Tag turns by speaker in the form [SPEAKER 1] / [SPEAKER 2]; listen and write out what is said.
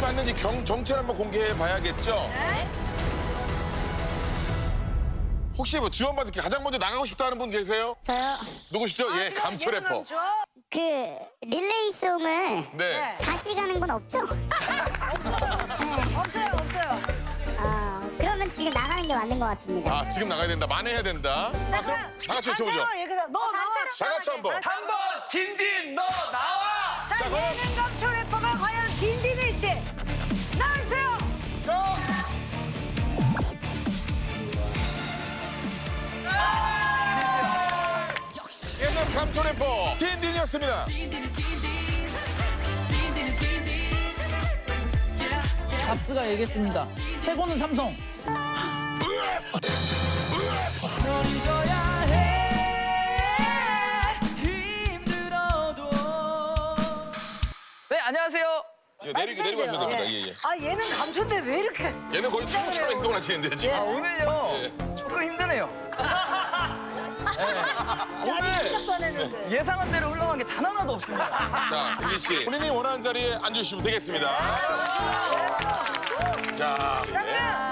[SPEAKER 1] 맞는지 정체를 한번 공개해 봐야겠죠?
[SPEAKER 2] 네.
[SPEAKER 1] 혹시 뭐 지원받을 게 가장 먼저 나가고 싶다 하는 분 계세요?
[SPEAKER 3] 저요.
[SPEAKER 1] 누구시죠? 예, 감초 래퍼.
[SPEAKER 3] 그 릴레이송을
[SPEAKER 1] 네.
[SPEAKER 3] 다시 가는 건 없죠?
[SPEAKER 2] 없어요.
[SPEAKER 3] 그러면 지금 나가는 게 맞는 것 같습니다.
[SPEAKER 1] 아, 지금 나가야 된다. 만회해야 된다. 아, 그럼 다 같이 외쳐보죠.
[SPEAKER 2] 얘기해서 너 나와.
[SPEAKER 1] 다 같이 한번.
[SPEAKER 4] 한번 딘딘 너 나와.
[SPEAKER 2] 자,
[SPEAKER 1] 자, 그럼.
[SPEAKER 2] 예능 감초 래퍼가 과연 딘딘일지 나와주세요.
[SPEAKER 1] 자, 예능 감초 래퍼 딘딘이었습니다.
[SPEAKER 5] 잡스가 얘기했습니다. 최고는 삼성.
[SPEAKER 4] 널 잊어야 해 힘들어도. 네 안녕하세요.
[SPEAKER 1] 예, 내리고 하셔야 됩니다. 예, 예.
[SPEAKER 2] 아, 얘는 감초인데 왜 이렇게?
[SPEAKER 1] 얘는 거의 친구처럼 행동을 하시는데 지금.
[SPEAKER 4] 아 오늘요
[SPEAKER 1] 예.
[SPEAKER 4] 조금 힘드네요. 오늘 예상한 대로 흘러간 게 단 하나도 없습니다.
[SPEAKER 1] 자, 딘딘 씨, 본인이 원하는 자리에 앉으시면 되겠습니다. 자,
[SPEAKER 2] 자, 그러면